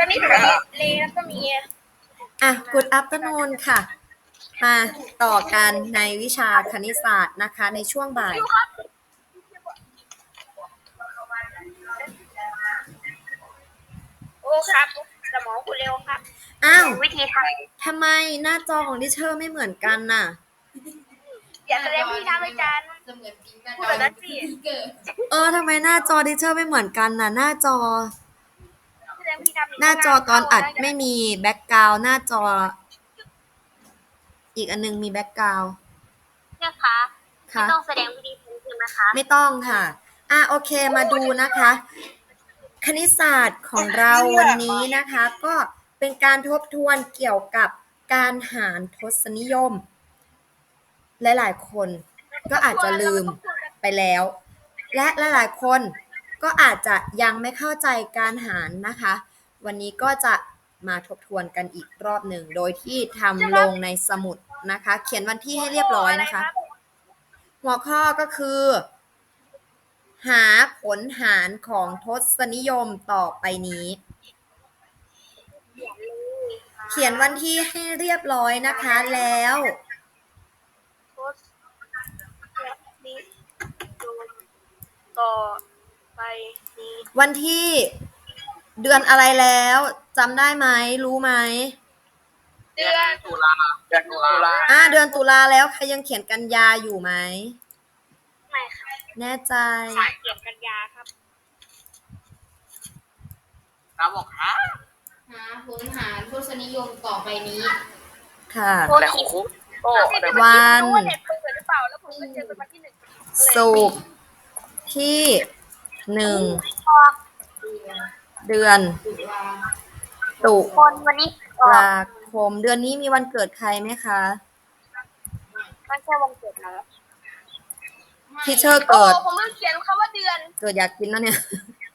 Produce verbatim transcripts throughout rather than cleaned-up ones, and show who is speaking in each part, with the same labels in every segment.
Speaker 1: อนนี้หนูมีเลแล้วก็มี
Speaker 2: อ่ะ Good afternoon ค่ะ มาต่อกันในวิชาคณิตศาสตร์นะคะ ในช่วงบ่าย
Speaker 1: โอ้ครับสมองคุณเร็วครับ
Speaker 2: อ้าว
Speaker 1: วิธีทำ
Speaker 2: ทำไมหน้าจอของดิเชอร์ไม่เหมือนกันน่ะ
Speaker 1: อย่าแสดงวิธีทำอาจารย์พูดแบบนั้นสิ
Speaker 2: เออทำไมหน้าจอดิเชอร์ไม่เหมือนกันน่ะ หน้าจอ
Speaker 1: แสดงวิธีทำ
Speaker 2: หน้าจอตอนอัดไม่มีแบ็กกราวด์หน้าจอ อีกอันนึงมีแบ็กกราวด์
Speaker 1: เนี่ยคะไม่ต้องแสดงวิธีทำใช่ไหมคะ
Speaker 2: ไม่ต้องค่ะ อ่ะโอเคมาดูนะคะ คณิตศาสตร์ของเราวันนี้นะคะ ก็เป็นการทบทวนเกี่ยวกับการหารทศนิยม หลายๆคนก็อาจจะลืมไปแล้ว และหลายๆคนก็อาจจะยังไม่เข้าใจการหารนะคะ วันนี้ก็จะมาทบทวนกันอีกรอบหนึ่งโดยที่ทำลงในสมุดนะคะ เขียนวันที่ให้เรียบร้อยนะคะ หัวข้อก็คือ หาผลหารของทศนิยมต่อไปนี้ เขียนวันที่ให้เรียบร้อยนะคะแล้ว
Speaker 1: ต่อไปนี้
Speaker 2: วันที่เดือนอะไรแล้วจำได้ไหมรู้ไหม
Speaker 1: เดือนตุลาเดือนตุลา
Speaker 2: อ่าเดือนตุลาแล้วใครยังเขียนกันยาอยู่ไหม
Speaker 1: ไม่ค่ะ
Speaker 2: แน่ใจ
Speaker 1: เขียนกันยาครับ
Speaker 3: เราบอกฮะ
Speaker 4: หาผลหารทศนิยมต่อไปนี้
Speaker 2: ค่ะ
Speaker 3: แต่ของคุกโอ้
Speaker 2: วัน
Speaker 1: รู้ว่าเน็ตเปิดหรือเปล่าแล้วผมก็เจอเป็นวันที่หนึ่ง
Speaker 2: ศุกร์ที่หนึ่งเดือน
Speaker 4: ตุลา
Speaker 2: ตุ
Speaker 1: คนวันนี้
Speaker 2: ลาคมเดือนนี้มีวันเกิดใครไหมคะ
Speaker 1: ไม่ใช่วันเกิดนะ
Speaker 2: ที่เชอร์
Speaker 1: โอ้
Speaker 2: เกิด
Speaker 1: ผมลืมเขียนคำว่าเดือน
Speaker 2: เกิดอยากกินแล้วเนี่ย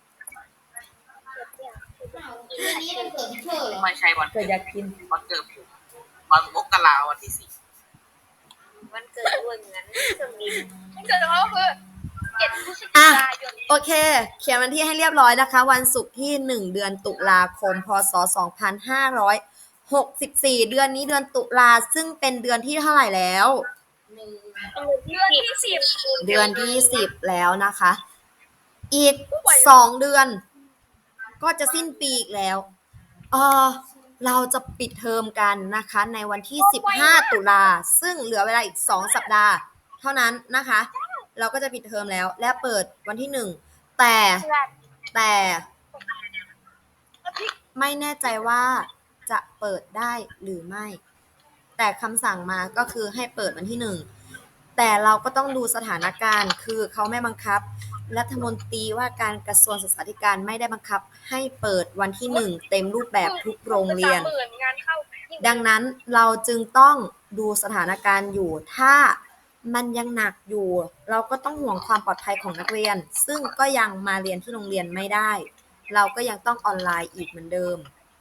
Speaker 4: อ้าวเดือนนี้มันเกิดที่เธอเหรอ
Speaker 3: ไม่ใช่วัน
Speaker 2: เกิดอยากกิน
Speaker 3: วันเกิดผมวันมกราวันที่สี่
Speaker 1: วันเกิดด้วยเหมือนเครื่องบินวันเกิดของเขาคือเจ็ดพฤศจิ
Speaker 2: อ่ะ
Speaker 1: กายน
Speaker 2: โอเค เขียนวันที่ให้เรียบร้อยนะคะ วันศุกร์ที่หนึ่งเดือนตุลาคมพศสองพันห้าร้อยหกสิบสี่เดือนนี้เดือนตุลาซึ่งเป็นเดือนที่เท่าไหร่แล้ว
Speaker 4: หนึ่ง
Speaker 1: เดือนที่สิบ
Speaker 2: เดือนที่สิบแล้วนะคะ อีกสองเดือน ก็จะสิ้นปีอีกแล้วเออเราจะปิดเทอมกันนะคะ ในวันที่สิบห้าตุลาซึ่งเหลือเวลาอีกสองสัปดาห์ เท่านั้นนะคะ เราก็จะปิดเทอมแล้ว และเปิดวันที่หนึ่งแต่แต่ไม่แน่ใจว่าจะเปิดได้หรือไม่ แต่คำสั่งมาก็คือให้เปิดวันที่หนึ่งแต่เราก็ต้องดูสถานการณ์คือเขาไม่บังคับรัฐมนตรีว่าการกระทรวงศึกษาธิการไม่ได้บังคับให้เปิดวันที่หนึ่งเต็มรูปแบบทุกโรงเรียน ดังนั้นเราจึงต้องดูสถานการณ์อยู่ถ้ามันยังหนักอยู่เราก็ต้องห่วงความปลอดภัยของนักเรียนซึ่งก็ยังมาเรียนที่โรงเรียนไม่ได้เราก็ยังต้องออนไลน์อีกเหมือนเดิม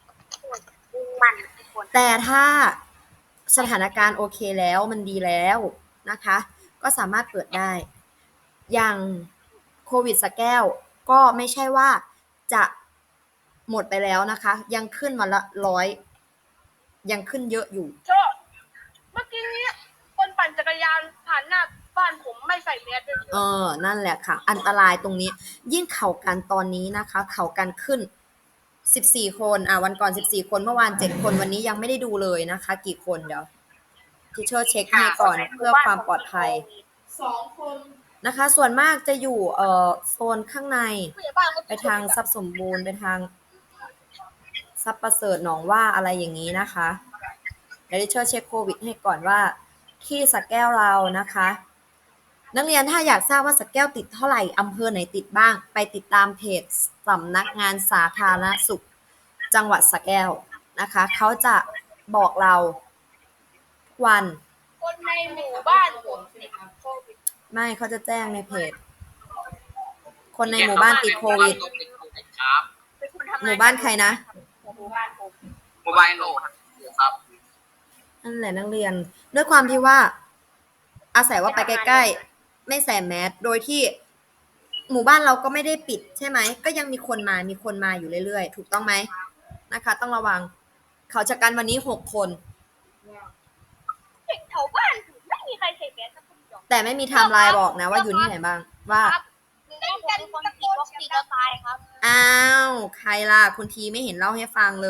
Speaker 2: แต่ถ้าสถานการณ์โอเคแล้วมันดีแล้วนะคะก็สามารถเปิดได้อย่างโควิดสระแก้วก็ไม่ใช่ว่าจะหมดไปแล้วนะคะยังขึ้นมาละร้อยยังขึ้นเยอะอยู่
Speaker 1: เมื่อกี้นี้คนปั่นจักรยานผ่านหน้าบ้านผมไม่ใส่แมสเลย
Speaker 2: เออนั่นแหละค่ะอันตรายตรงนี้ยิ่งเข่ากันตอนนี้นะคะเข่ากันขึ้นสิบสี่คนอ่ะวันก่อนสิบสี่คนเมื่อวานเจ็ดคนวันนี้ยังไม่ได้ดูเลยนะคะกี่คนเดี๋ยวทิเชอร์เช็คให้ก่อนเพื่อความปลอดภัย
Speaker 4: สองคน
Speaker 2: นะคะส่วนมากจะอยู่เอ่อโซนข้างในไปทางทรัพย์สมบูรณ์ไปทางทรัพย์ประเสริฐหนองว่าอะไรอย่างนี้นะคะเดี๋ยวดิเชอร์เช็คโควิดให้ก่อนว่าที่สระแก้วเรานะคะนักเรียนถ้าอยากทราบว่าสระแก้วติดเท่าไหร่อำเภอไหนติดบ้างไปติดตามเพจสำนักงานสาธารณสุขจังหวัดสระแก้วนะคะเขาจะบอกเราทุกวัน
Speaker 1: คนในหมู่บ้านผมติดโควิด
Speaker 2: ไม่เขาจะแจ้งในเพจคนในหมู่บ้านติดโควิด
Speaker 3: ครับ
Speaker 1: เป็นคนทำง
Speaker 2: หมู่บ้านใครนะ
Speaker 1: หมู่บ้านผม
Speaker 3: โมบายโหลดครับ
Speaker 2: นั่นแหละนักเรียนด้วยความที่ว่าอาศัยว่าไปใกล้ๆไม่ใส่แมสโดยที่หมู่บ้านเราก็ไม่ได้ปิดใช่ไหมก็ยังมีคนมามีคนมาอยู่เรื่อยๆถูกต้องไหมนะคะ ต้องระวัง เขาชะกันวันนี้หกคน
Speaker 1: เด็กแถวบ้านไม่มีใครใส่แมสสักคนเดียว
Speaker 2: แต่ไม่มีไทม์ไลน์บอกนะว่าอยู่ที่ไหนบ้าง ว่า
Speaker 1: ครับเล่นกันคนฉีดวัคซีนแล้วตายครับ
Speaker 2: อ้าว ใครล่ะ คุณทีไม่เห็นเล่าให้ฟังเลย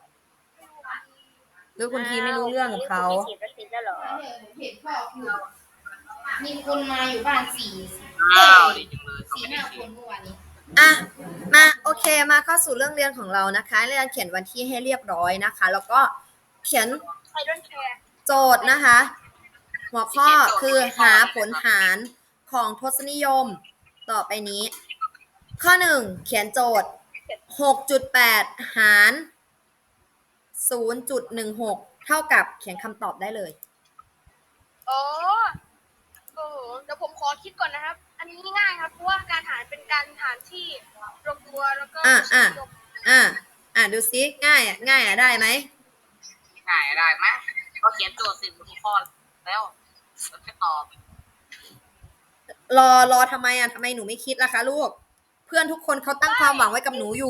Speaker 2: หรือคุณทีไม่รู้เรื่องกับเขา
Speaker 1: ฉีดวัคซีนแล้วเหรอ
Speaker 4: เดี๋ยวผมเห็นพ่อพูดมีคนมาอยู่บ้านสี่
Speaker 3: อ้าวดีจังเลยเขา
Speaker 4: สี่
Speaker 3: ไม่ได้
Speaker 4: ห้า
Speaker 3: ฉี
Speaker 4: ค
Speaker 3: ด
Speaker 4: นเมื่อวานนี้
Speaker 2: อ่ะ มาโอเคมาเข้าสู่เรื่องเรียนของเรานะคะเรียนเขียนวันที่ให้เรียบร้อยนะคะ แล้วก็เขียน
Speaker 1: ใครโดนแคร์
Speaker 2: โจทย์นะคะ หัวข้อคือหาผลหารของทศนิยมต่อไปนี้ ข้อหนึ่งเขียนโจทย์ หกจุดแปด หาร ศูนย์จุดหนึ่งหก เท่ากับเขียนคำตอบได้เลย
Speaker 1: อ๋อโอ้โหเดี๋ยวผมขอคิดก่อนนะครับ อันนี้ง่ายครับ เพราะว่าการหารเป็นการหารที่รวมตัวแล้วก็
Speaker 2: อ่ะอ่ะ อ่ะอ่ะดูซิง่ายอ่ะง่ายอ่ะได้ไหม
Speaker 3: ง่ายได้ไหมก็เขียนโจทย์สิบทุกข้อแล้วแล้วไปตอบ
Speaker 2: รอรอทำไมอ่ะทำไมหนูไม่คิดล่ะคะลูก เพื่อนทุกคนเขาตั้งความหวังไว้กับหนูอยู่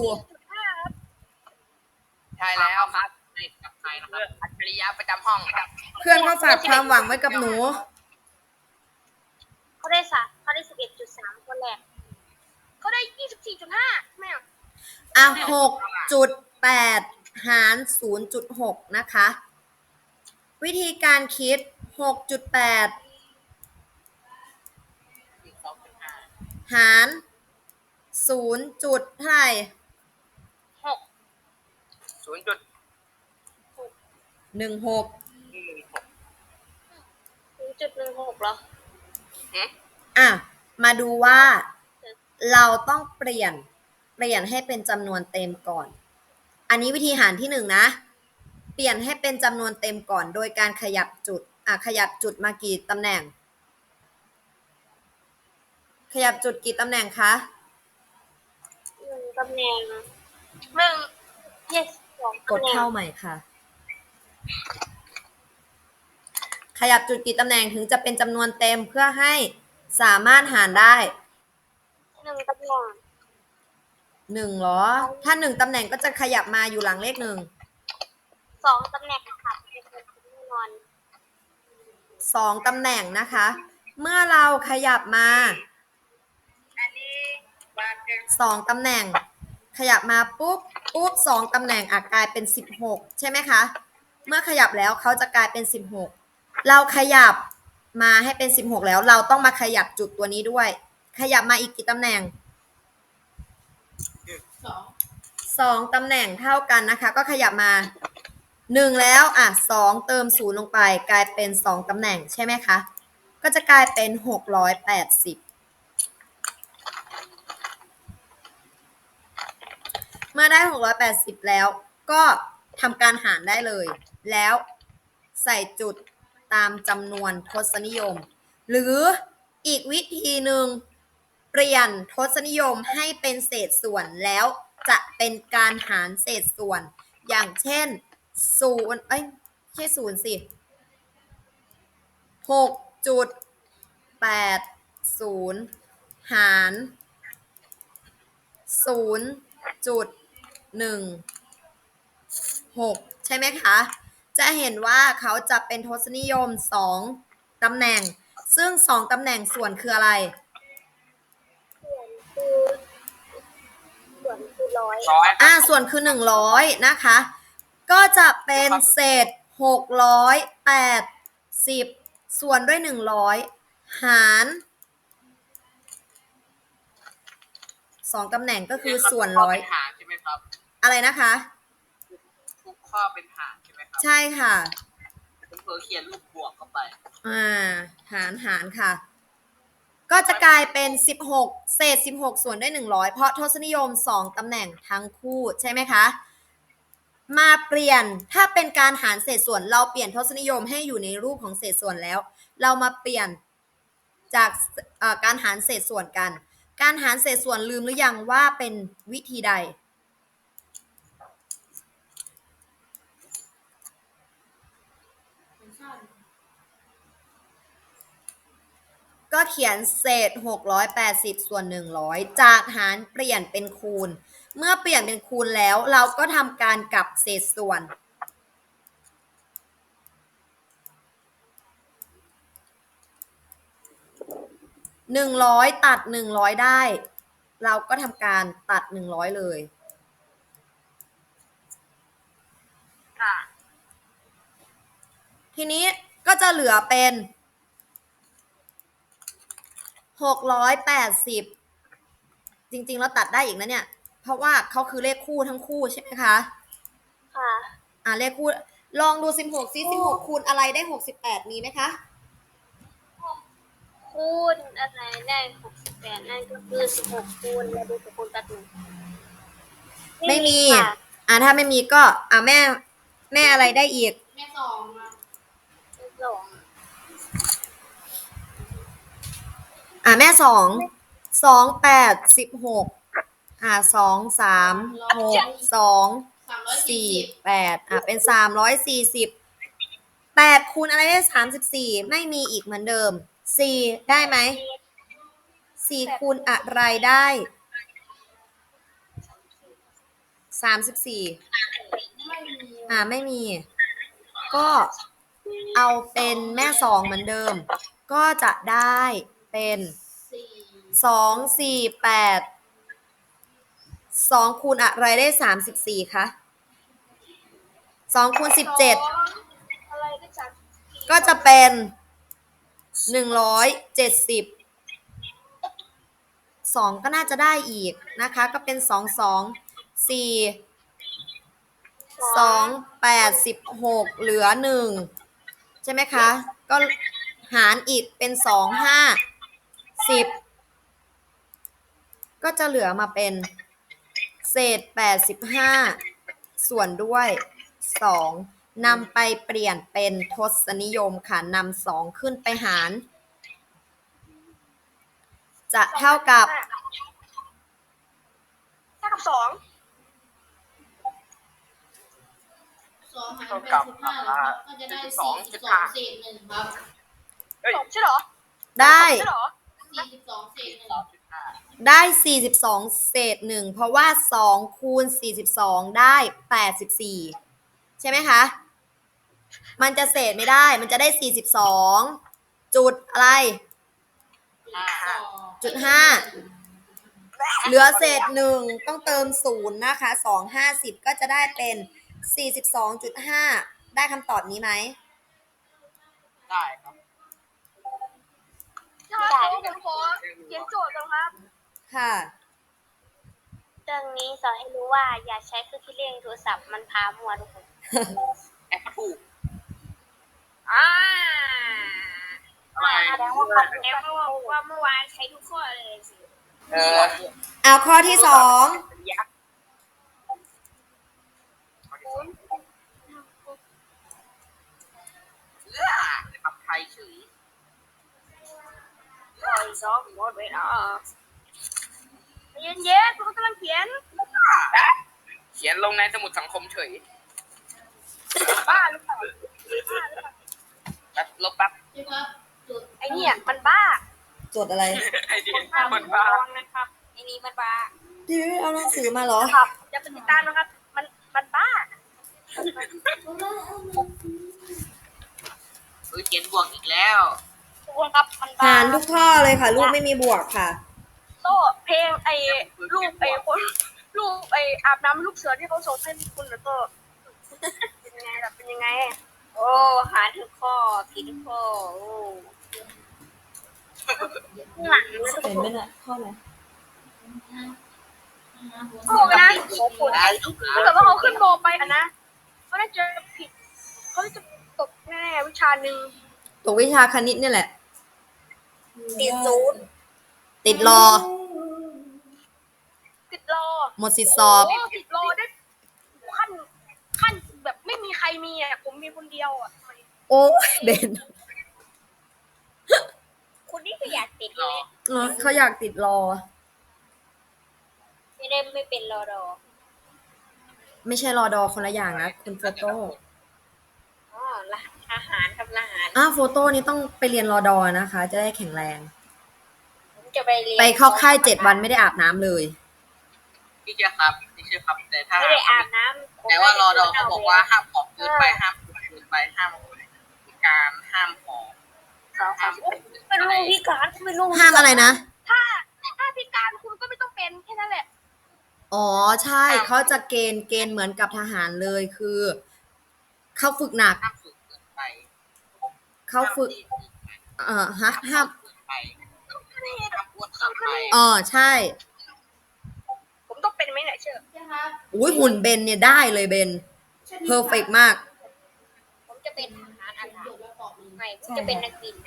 Speaker 3: ใช่แล้วครับในกับใครนะครับอัจฉริยะประจำห้องครับ
Speaker 2: เพื่อนเขาฝากความหวังไว้กับหนู
Speaker 1: เขาได้สัเขาได้สิบเอ็ดจุดสามคนแรกเขาได้ยี่สิบสี่จุดห้าแม่
Speaker 2: อ่ะหกจุดแปดหารศูนย์จุดหกนะคะ วิธีการคิดหกจุดแปด
Speaker 3: สิบสองจุดห้า
Speaker 2: หารศูนย์จุดเท่าไหร่
Speaker 1: หก
Speaker 3: ศูนย์จุด
Speaker 2: หนึ่งหก
Speaker 3: หนึ่งหก
Speaker 1: ศูนย์จุดหนึ่งหกเหรอ
Speaker 3: เอ๊ะ
Speaker 2: อ่ะ มาดูว่าเราต้องเปลี่ยนเปลี่ยนให้เป็นจำนวนเต็มก่อน อันนี้วิธีหารที่หนึ่งนะ เปลี่ยนให้เป็นจำนวนเต็มก่อน โดยการขยับจุด อ่ะ ขยับจุดมากี่ตำแหน่ง ขยับจุดกี่ตำแหน่งคะ
Speaker 1: หนึ่งตำแหน่งหนึ่งเยสสอง
Speaker 2: ก
Speaker 1: ตำ
Speaker 2: ด
Speaker 1: แหน่ง
Speaker 2: เข้าใหม่ค่ะ ขยับจุดกี่ตำแหน่งถึงจะเป็นจำนวนเต็มเพื่อให้สามารถหารได้
Speaker 1: หนึ่งตำแหน่ง
Speaker 2: หนึ่งเหรอ ถ้าหนึ่งตำแหน่งก็จะขยับมาอยู่หลังเลขหนึ่ง
Speaker 1: สองตำแหน่งค่ะเป็นคนแน่นอน
Speaker 2: สองตำแหน่งนะคะ เมื่อเราขยับมา
Speaker 1: อันนี้บาทเจ็ด
Speaker 2: สองตำแหน่ง ขยับมาปุ๊บปุ๊บสองตำแหน่งอาจกลายเป็นสิบหกใช่ไหมคะ เมื่อขยับแล้วเขาจะกลายเป็นสิบหกเราขยับมาให้เป็นสิบหกแล้วเราต้องมาขยับจุดตัวนี้ด้วย ขยับมาอีกกี่ตำแหน่ง
Speaker 4: สอง
Speaker 2: สองตำแหน่งเท่ากันนะคะ ก็ขยับมาหนึ่งแล้วอ่ะสองเติมศูนย์ลงไปกลายเป็นสองตำแหน่งใช่ไหมคะ ก็จะกลายเป็นหกร้อยแปดสิบเมื่อได้หกร้อยแปดสิบแล้วก็ทำการหารได้เลย แล้วใส่จุดตามจำนวนทศนิยม หรืออีกวิธีหนึ่งเปลี่ยนทศนิยมให้เป็นเศษส่วนแล้วจะเป็นการหารเศษส่วน อย่างเช่นศูนย์เอ้ยไม่ใช่ศูนย์สิหกจุดแปดศูนย์หารศูนย์จุดหนึ่งหกใช่ไหมคะ จะเห็นว่าเขาจะเป็นทศนิยมสองตำแหน่ง ซึ่งสองตำแหน่งส่วนคืออะไร
Speaker 1: ส่วนคือส่วนคือร้อย
Speaker 3: ร้อย
Speaker 2: อ่าส่วนคือหนึ่งร้อยนะคะ ก็จะเป็นเศษหกร้อยแปดสิบส่วนด้วยหนึ่งร้อยหารสองตำแหน่งก็คือส่วนร้อย
Speaker 3: เป็นหารใช่ไหมครับ
Speaker 2: อะไรนะคะ
Speaker 3: ทุกข้อเป็นหารใช่ไหมครับ
Speaker 2: ใช่ค่ะ
Speaker 3: ผมเผลอเขียนรูปบวกเข้าไป
Speaker 2: อ่าหารหารค่ะ ก็จะกลายเป็นสิบหกเศษสิบหกส่วนด้วยหนึ่งร้อยเพราะทศนิยมสองตำแหน่งทั้งคู่ใช่ไหมคะ มาเปลี่ยนถ้าเป็นการหารเศษส่วนเราเปลี่ยนทศนิยมให้อยู่ในรูปของเศษส่วนแล้ว เรามาเปลี่ยนจากเอ่อการหารเศษส่วนกัน การหารเศษส่วนลืมหรือยังว่าเป็นวิธีใด
Speaker 4: เป็นข้าว
Speaker 2: ก็ ก็เขียนเศษหกร้อยแปดสิบส่วนหนึ่งร้อยจากหารเปลี่ยนเป็นคูณเมื่อเปลี่ยนเป็นคูณแล้วเราก็ทำการกลับเศษส่วนหนึ่งร้อยตัดหนึ่งร้อยได้เราก็ทำการตัดหนึ่งร้อยเลย
Speaker 1: ค่ะ
Speaker 2: ทีนี้ก็จะเหลือเป็นหกร้อยแปดสิบจริงๆเราตัดได้อีกนะเนี่ยเพราะว่าเขาคือเลขคู่ทั้งคู่ใช่ไหมคะ
Speaker 1: ค่ะ
Speaker 2: อ่าเลขคู่ลองดูสิบหกซิสิบหกคูณอะไรได้หกสิบแปดมีไหมคะ
Speaker 1: คูณอะไรได้หกสิบแปดนั่นก็คือสิบหกคูณแล้วดูสิบคูณตัดหนึ่ง
Speaker 2: ไม่มีอ่าถ้าไม่มีก็อ่าแม่แม่อะไรได้อีก
Speaker 4: แม่สองอะ
Speaker 1: สอง
Speaker 2: อ่าแม่สองสองแปดสิบหกอ่าสองสามหกสอง
Speaker 4: สามร้อยสี่
Speaker 2: สี่
Speaker 4: สิบ
Speaker 2: แปดอ่ะเป็นสามร้อยสี่สิบแปดคูณอะไรได้สามสิบสี่ไม่มีอีกเหมือนเดิมสี่ได้ไหมสี่คูณอะไรได้สามสิบสี่
Speaker 4: ไม่มี
Speaker 2: อ่าไม่มีก็เอาเป็นแม่สองเหมือนเดิมก็จะได้เป็น
Speaker 4: สี่
Speaker 2: สอง สี่ แปดสองคูณอะไรได้สามสิบสี่คะสองคูณสิบเจ็ด
Speaker 1: อะไรได้สามสิบสี่
Speaker 2: ก็จะเป็นหนึ่งร้อยเจ็ดสิบสองก็น่าจะได้อีกนะคะก็เป็นสอง สอง สี่สองแปดสิบหกเหลือหนึ่งใช่ไหมคะก็หารอีกเป็นสอง ห้า สิบก็จะเหลือมาเป็นเศษแปดสิบห้าส่วนด้วยสองนำไปเปลี่ยนเป็นทศนิยมค่ะนำสองขึ้นไปหารจะเท่ากับ
Speaker 1: เท่ากับสอง
Speaker 4: สองหารแปดสิบห้าครับก็จะได้สี่สิบสองเศษหนึ่งครับ
Speaker 1: สองใช่เหรอ
Speaker 2: ได้
Speaker 1: ใช่เหรอ
Speaker 4: สี่สิบสองเศษหนึ่ง
Speaker 2: ได้สี่สิบสองเศษหนึ่งเพราะว่าสองคูณสี่สิบสองได้แปดสิบสี่ใช่ไหมคะมันจะเศษไม่ได้มันจะได้สี่สิบสองจุดอะไรจุดห้าเหลือเศษหนึ่งต้องเติมศูนย์นะคะสองห้าสิบก็จะได้เป็นสี่สิบสองจุดห้าได้คำตอบนี้ไหม
Speaker 3: ได้ครับ
Speaker 1: ได้ผมขอเขียนโจทย์ก่อนครับ
Speaker 2: ค่ะ
Speaker 1: เรื่องนี้สอนให้รู้ว่าอย่าใช้เครื่องคิดเลขโทรศัพท์มันพามัวทุกคน
Speaker 3: แอปถูก
Speaker 1: อ่าแสดงว่าคำนี้ว่าเมื่อวานใช้ทุกข้อเลยสิ
Speaker 3: เออ
Speaker 2: เอาข้อที่สอง
Speaker 3: เลือกปรับไทยเฉย
Speaker 1: ปล่อยซอกหมดเวลาเย็นเย็นผมกำลังเขียน
Speaker 3: เขียนลงในสมุดสังคมเฉย
Speaker 1: บ้าหรือเปล่า
Speaker 3: แป๊บลบแป๊บ
Speaker 1: ไอเนี่ยมันบ้า
Speaker 2: จดอะไร
Speaker 3: ไอ้นี่มันบ้า
Speaker 1: นะครับไอ้นี่มันบ้า
Speaker 2: พี่เอาหนังสือมาเหรอ
Speaker 1: ครับจะเป็นติดตามนะครับมันมันบ้า
Speaker 3: เออเขียนบวกอีกแล้ว
Speaker 1: ทุกคนครับมันบ้า
Speaker 2: หารทุกข้อเลยค่ะลูกไม่มีบวกค่ะ
Speaker 1: โซ่เพลงไอ้รูปไอ้คนรูปไอ้อาบน้ำลูกเสือที่เขาส่งให้คุณแล้วก็เป็นยังไงแบบเป็นยังไงโอ้หาทุกข้อผิดทุกข้อโอ้หลังนะทุกคน
Speaker 2: ข้อไหน
Speaker 1: โอ้นะถ้าเกิดว่าเขาขึ้นโบไปอ่ะนะเขาน่าจะผิดเขาจะตกแน่วิชาหนึ่ง
Speaker 2: ตกวิชาคณิตนี่แหละ
Speaker 1: ติดศูนย์
Speaker 2: ติดรอ
Speaker 1: ติดรอ
Speaker 2: หมดสิทธิสอบ
Speaker 1: ติดรอได้ขั้นขั้นแบบไม่มีใครมีอ่ะผมมีคนเดียวอ่ะ
Speaker 2: โอ้ยเบน
Speaker 1: คนนี้ก็อยากติดเลย
Speaker 2: เขาอยากติดรอ
Speaker 1: ไม่ได้ไม่เป็นรอดอ
Speaker 2: ไม่ใช่รอดอคนละอย่างนะคุณโฟโต้
Speaker 1: อ๋อทหารทำทหาร
Speaker 2: อ้าวโฟโต้นี่ต้องไปเรียนรอดอนะคะจะได้แข็งแรง
Speaker 1: ผมจะไปเรียน
Speaker 2: ไปเข้าค่ายเจ็ดวันไม่ได้อาบน้ำเลย
Speaker 3: พี่เชื่อครับพี่เชื่อครับแต่ถ้า
Speaker 1: ไม่ได้อาบน้ำ
Speaker 3: แต่ว่ารอดอเขาบอกว่าห้ามของเกินไปห้ามเกินไปห้ามการห้ามของ
Speaker 1: สองสามเป็นลูกพิการเป็นลูก
Speaker 2: ห้ามอะไรนะ
Speaker 1: ถ้าถ้าพิการคุณก็ไม่ต้องเป็นแค่นั้นแหละ
Speaker 2: อ๋อใช่เขาจะเกณฑ์เกณฑ์เหมือนกับทหารเลยคือเขาฝึกหนัก
Speaker 3: ห้ามฝึกเกินไป
Speaker 2: เขาฝึกเอ่อฮะห้าม
Speaker 3: เกินไปห้ามอ้วนเกินไป
Speaker 2: อ๋อใช่
Speaker 1: ผมต้องเป็นไหมเนี่ยเชื่อ
Speaker 4: ใช่ครับ
Speaker 2: อุ้ยหุ่นเบนเนี่ยได้เลยเบนเพอร์เฟกมาก
Speaker 1: ผมจะเป็นทหารอากาศ
Speaker 4: เดี๋ยวเราตอบเลย
Speaker 1: ไม่ผมจะเป็นนักบิน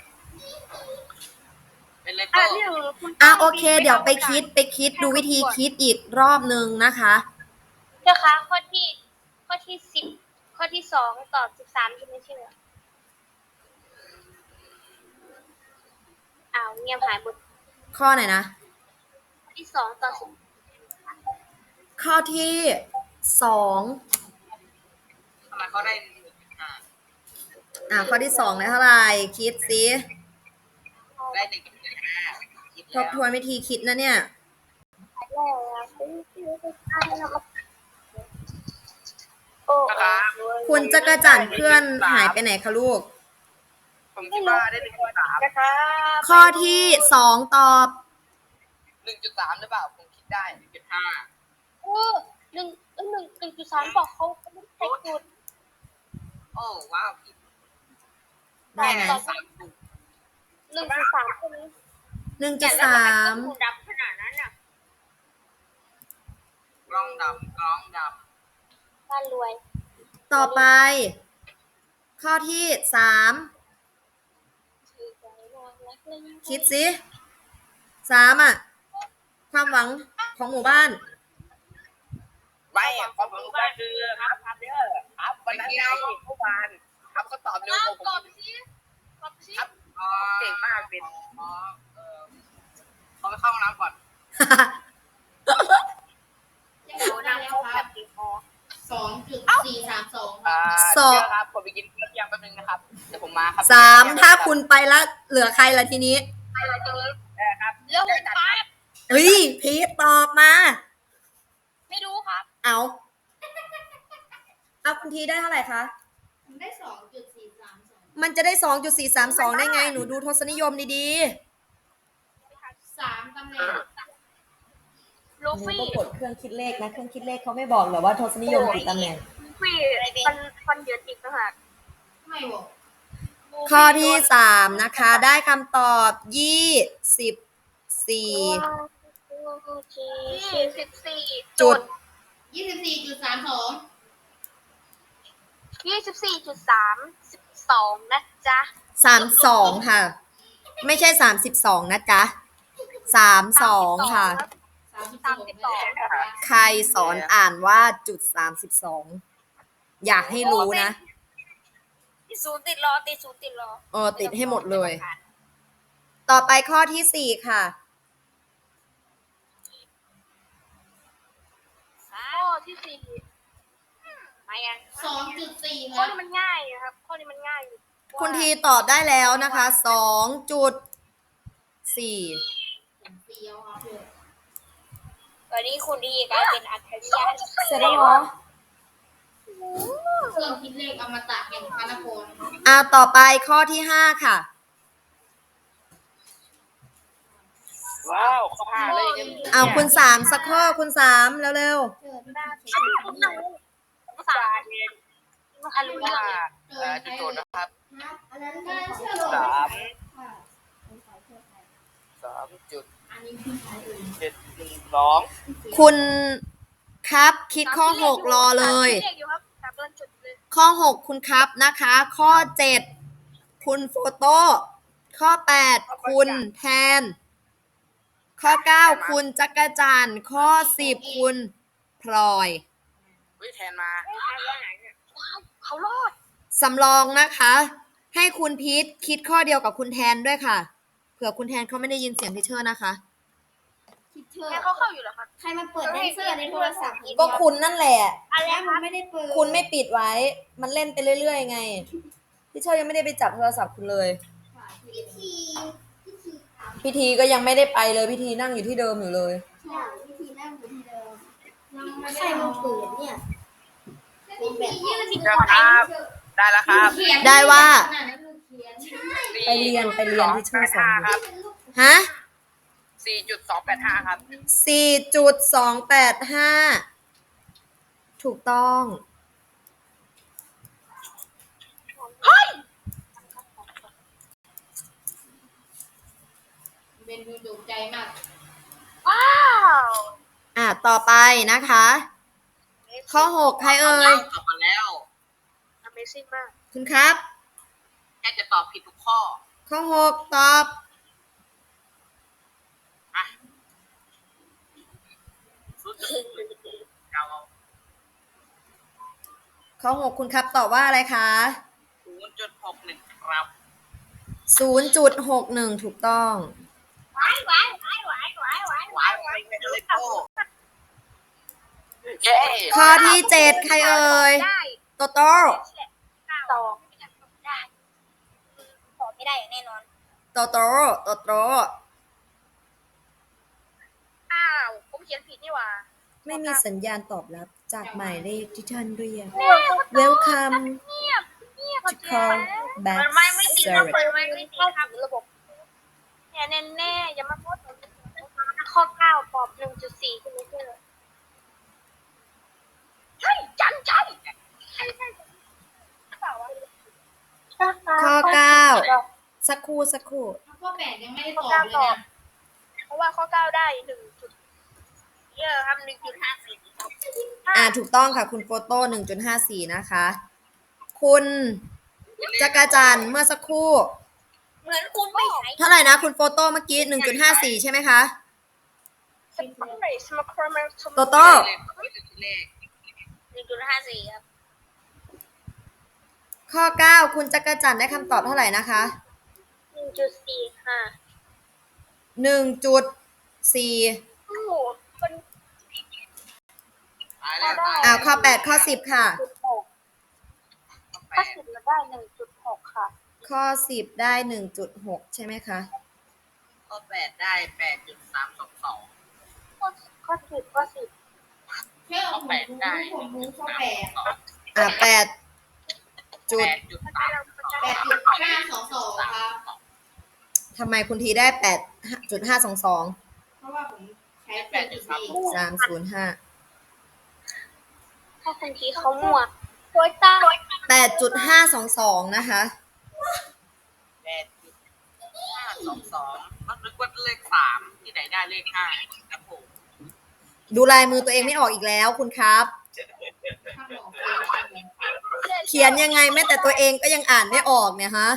Speaker 3: เป็นเล
Speaker 1: อ่ะ
Speaker 3: โก้
Speaker 1: เรื่องคุณ
Speaker 2: อ่ะโอเค เดี๋ยวไปคิดไปคิดดูวิธีคิดอีกรอบนึงนะคะ
Speaker 1: เจ้าคะข้อที่ข้อที่สิบข้อที่สองตอบสิบสามใช่ไหมเชื่ออ้าวเงียบหายหมด
Speaker 2: ข้อไหนนะ
Speaker 1: ข้อที่สองตอบสิบ
Speaker 2: ข้อที่สอง
Speaker 3: ทำไมเขาได้หนึ่งจุดห้า
Speaker 2: อ่ะข้อที่สองได้เท่าไหร่คิดสิ
Speaker 3: ได้หนึ่งจุดห้า
Speaker 2: ทบทวนวิธีคิดนะเนี่ย
Speaker 1: โอ้
Speaker 2: คุณจักรจันทร์เพื่อนหายไปไหนคะลูก
Speaker 3: ผมคิดว่าได้หนึ่งจุดสาม
Speaker 1: นะคะ
Speaker 2: ข้อที่สองตอบ
Speaker 3: หนึ่งจุดสามหรือเปล่าผมคิดได้หนึ่งจุดห้า
Speaker 1: เออหนึ่งเออหนึ่งหนึ่งจุดสามบอกเขาเขาไม่ได้จุด
Speaker 3: โอ้ว้าวผิด
Speaker 2: ได้ไหม
Speaker 3: แค่สามถูก
Speaker 1: หนึ่งจุดสามคนนี้
Speaker 2: หนึ่งจุดสาม
Speaker 1: คุณดับขนาดนั้นน่ะ
Speaker 3: กล้องดำกล้องด
Speaker 1: บ้านรวย
Speaker 2: ต่อไป ข้อที่สามคิดสิสามอ่ะ ความหวังของหมู่บ้าน
Speaker 3: ำไม่อะความรู้ก็คือครับครับเด้อครับวันนั้นไงเมื่อวานครับเขาตอบเร็วกว่าผม
Speaker 1: ตอบสิตอบสิ
Speaker 3: ครับเก่งมากเป็นอ๋อเออเขาไปเข้าห้องน้ำก่อน
Speaker 4: เดี๋ยวได้แล้วครับ
Speaker 1: ติดคอ
Speaker 4: สองจุดสี่สามสอง
Speaker 3: อ่า
Speaker 2: สอบ
Speaker 3: เดี๋ยวครับผมไปกินข้าวเที่ยงแป๊บนึงนะครับเดี๋ยวผมมาครับ
Speaker 2: สามถ้าคุณไปแล้วเหลือใครละทีนี้
Speaker 3: เออครับ
Speaker 1: เรื่องผมครับ
Speaker 2: เฮ้ยพีทตอบมา
Speaker 1: ไม่รู้ครับ
Speaker 2: เอา เอาคุณทีได้เท่าไหร่คะ
Speaker 4: ผมได้สองจุดสี่สามสอง
Speaker 2: มันจะได้ สองจุดสี่สามสอง ได้ไง หนูดูทศนิยมดี
Speaker 4: สามตำแหน่ง
Speaker 1: ลู
Speaker 2: ๆหนู
Speaker 1: ฟี่
Speaker 2: ก็กดเครื่องคิดเลขนะ เครื่องคิดเลขเขาไม่บอกเหรอว่าทศนิยมกี่ตำแหน่ง
Speaker 1: ลูฟี่ฟันฟันเหยินอีกต่างหาก
Speaker 4: ไม่บอก
Speaker 2: ข้อที่สามนะคะ ได้คำตอบยี่สิบสี่
Speaker 1: ยี่สิบสี่
Speaker 2: จุด
Speaker 4: ยี่สิบสี่จุดสามสอง
Speaker 1: ยี่สิบสี่จุดสามสิบสองนะจ๊ะ
Speaker 2: สามสองค่ะ ไม่ใช่สามสิบสองนะจ๊ะสามสองค่ะ
Speaker 4: สามสิบสอง
Speaker 2: ใครสอนอ่านว่าจุดสามสิบสองอยากให้รู้นะ
Speaker 1: ติดศูนย์ติดรอติดศูนย์ติดรอ
Speaker 2: เออติดให้หมดเลย ต่อไปข้อที่สี่ค่ะ
Speaker 1: ข้อที่สี่มายัง
Speaker 4: สองจุดสี่ค
Speaker 1: ข้อ
Speaker 4: รับ
Speaker 1: นี้มันง่ายนะครับ ข้อนี้มันง่ายอยู่
Speaker 2: คุณทีตอบได้แล้วนะคะสองจุดสี่
Speaker 4: ผมเฟี้ยวครับเพื่อน
Speaker 1: ตอนนี้คุณดีกลายเป็นอัจฉริยะ
Speaker 2: เสร็จแล้วเหรอ
Speaker 4: เครื่องคิดเลขอมตะแห่งพระนคร
Speaker 2: อ่าต่อไปข้อที่ห้าค่ะ
Speaker 3: ว้าวเขาพาเลยเนี่ย
Speaker 2: เอาคุณสามสักข้อคุณสามเร็ว
Speaker 4: เจอที่เช็ค
Speaker 1: ภาษาอันรู้เรื่อง
Speaker 3: ว่าเอ่อจุดโจทย์นะครับ
Speaker 4: ครับอันนั้นก็เชื่อลง
Speaker 3: สาม
Speaker 4: ค่ะ
Speaker 3: สามจุด
Speaker 4: อันนี้คือใครเอ่ย
Speaker 3: เจ็ดหนึ่งสอง
Speaker 2: ๆ คุณครับคิดข้อหกรอเลย
Speaker 1: เรียกอยู่ครับสามเดือนจุดเลย
Speaker 2: ข้อหกคุณครับนะคะ ข้อเจ็ดคุณโฟโต้ข้อแปดคุณแทน ข้อเก้าคุณจักรจันทร์ข้อสิบคุณพลอย
Speaker 3: วิแทนมา
Speaker 1: ว้าวเขารอด
Speaker 2: สำรองนะคะ ให้คุณพีทคิดข้อเดียวกับคุณแทนด้วยค่ะ เผื่อคุณแทนเขาไม่ได้ยินเสียงทีเชอร์นะคะ
Speaker 4: คิดเธอ
Speaker 1: แค่เขาเข้าอยู่เหรอครับ
Speaker 4: ใครมาเปิดแดนเซอร์ในโทรศัพท์
Speaker 2: ก็คุณนั่นแหละ
Speaker 1: อะไร
Speaker 4: แล้ว
Speaker 1: ค
Speaker 4: มั
Speaker 1: รั
Speaker 4: น
Speaker 1: บ
Speaker 4: ไม่ได้เปิด
Speaker 2: คุณไม่ปิดไว้ มันเล่นไปเรื่อยๆไงทีเชอร์ยังไม่ได้ไปจับโทรศัพท์คุณเลย
Speaker 4: พิธีพิธีถาม
Speaker 2: พิธีก็ยังไม่ได้ไปเลยพิธีนั่งอยู่ที่เดิมอยู่เลย
Speaker 4: ใช่พิธีนั่งอยู่ที่เดิมใส่มือปืนเนี่ยแบบยืด
Speaker 3: นะครับ ได้แล้วครับ
Speaker 2: ได้ว่า
Speaker 4: ขนาดนั้นลูกเขียน
Speaker 2: ไปเรียนไปเรียนที่ชื่อส
Speaker 3: ห้า
Speaker 2: อง
Speaker 3: ครับ
Speaker 2: ฮะ
Speaker 3: สี่จุดสองแปดห้าครับ
Speaker 2: สี่จุดสองแปดห้า ถูกต้อง
Speaker 4: เป็นดูดุใจมาก
Speaker 1: ว้าว
Speaker 2: อ่ะ ต่อไปนะคะ ข้อหกใครเอ่ย
Speaker 3: ตอบมาแล้ว
Speaker 1: Amazing มาก
Speaker 2: คุณครับ
Speaker 3: แค่จะตอบผิดทุกข้อ
Speaker 2: ข้อหกตอบ
Speaker 3: อ่ะรู้สึกเรา
Speaker 2: ข้อหกคุณครับตอบว่าอะไรคะ
Speaker 3: ศูนย์จุดหกหนึ่งครับ
Speaker 2: ศูนย์จุดหกหนึ่ง ถูกต้อง
Speaker 1: ว้ายว้ายว้ายว้ายว้ายว้ายว้ายว้าย
Speaker 3: ไม่ได้เลยโป้เย้
Speaker 2: ข้อที่เจ็ดใครเอ่ย
Speaker 1: ได้
Speaker 2: โตโต้
Speaker 1: สองได้ตอบไม่ได้อย่างแน่นอน
Speaker 2: โตโต้โตโต้
Speaker 1: อ้าวผมเขียนผิดนี่หว่า
Speaker 2: ไม่มีสัญญาณตอบรับจากหมายเลขที่ท่านเรียก
Speaker 1: แม่
Speaker 2: Welcome
Speaker 1: เงียบเงียบ
Speaker 2: to call back
Speaker 1: มันไม่ไม่ติดครับ
Speaker 2: service
Speaker 1: มันไม่ไม่ติดครับระบบแน่แน่แน่อย่ามาพูดถึงข้อเก้าตอบหนึ่งจุดสี่คุณไม่เชื่อใช่จันใช่ใช่ใช่เปล่าวะ
Speaker 2: ข้อเก้า สักครู่สักครู่
Speaker 4: ข้อแปดยังไม่ได้ตอบเลยนะ
Speaker 1: เพราะว่าข้อเก้าได้หนึ่งจุดเยอะครับหนึ่งจุดห้าสี่
Speaker 2: อ่าถูกต้องค่ะคุณโฟโต้ หนึ่งจุดห้าสี่ นะคะ คุณจักรจันทร์เมื่อสักครู่
Speaker 1: เหมือนคุณไม่ใช้
Speaker 2: เท่าไหร่นะคุณโฟโต้เมื่อกี้ หนึ่งจุดห้าสี่ ใช่ไหมคะ
Speaker 1: สมัครสมัครมา
Speaker 2: โตโต้
Speaker 3: เลขเลข
Speaker 1: หนึ่งจุดห้าสี่ครับ
Speaker 2: ข้อเก้าคุณจักรจันทร์ได้คำตอบเท่าไหร่นะคะ
Speaker 1: หนึ่งจุดสี่ห้า
Speaker 2: หนึ่งจุดสี่
Speaker 1: โอ้โหคน
Speaker 3: ตายแล้วตาย
Speaker 2: อ่าข้อแปดข้อสิบค่ะ
Speaker 1: จุดหกถ้าสิบมาได้หนึ่งจุดหกค่ะ
Speaker 2: ข้อสิบได้ หนึ่งจุดหก ใช่ไหมคะ
Speaker 3: ข้อแปดได้แปดจุดสามสองสอง
Speaker 1: ข้อข้อสิบข้อสิบ
Speaker 4: เชื่อ
Speaker 3: ข้อ
Speaker 4: ผม
Speaker 3: แปด
Speaker 4: รู้
Speaker 3: ได้
Speaker 4: ผมรู้ข้อแปด
Speaker 2: อ่าแปดจุด
Speaker 3: แปดจุดสามสอง
Speaker 4: แปดจุดห้าสองสองครับ
Speaker 2: ทำไมคุณทีได้ แปดจุดห้าสองสอง
Speaker 4: เพราะว่าผมใช้แปดจุดสี่
Speaker 2: สามศูนย์ห้า
Speaker 1: ถ้าคุณทีเขามั่วโวยตา
Speaker 2: แปดจุดห้าสองสองนะคะ
Speaker 3: แปดจุดห้าสองสองมันนึกว่าเลขสามที่ไหนได้เลขห้าครับผม
Speaker 2: ดูลายมือตัวเองไม่ออกอีกแล้วคุณครับ
Speaker 4: ถ้าบอกเลย
Speaker 2: เขียนยังไงแม้แต่ตัวเองก็ยังอ่านไม่ออกเนี่ยฮะ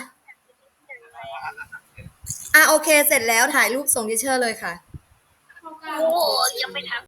Speaker 2: อ่ะโอเคเสร็จแล้วถ่ายรูปส่งทิเชอร์เลยค่ะ
Speaker 4: ข้อเก้า
Speaker 1: โอ้ยังไม่ทัน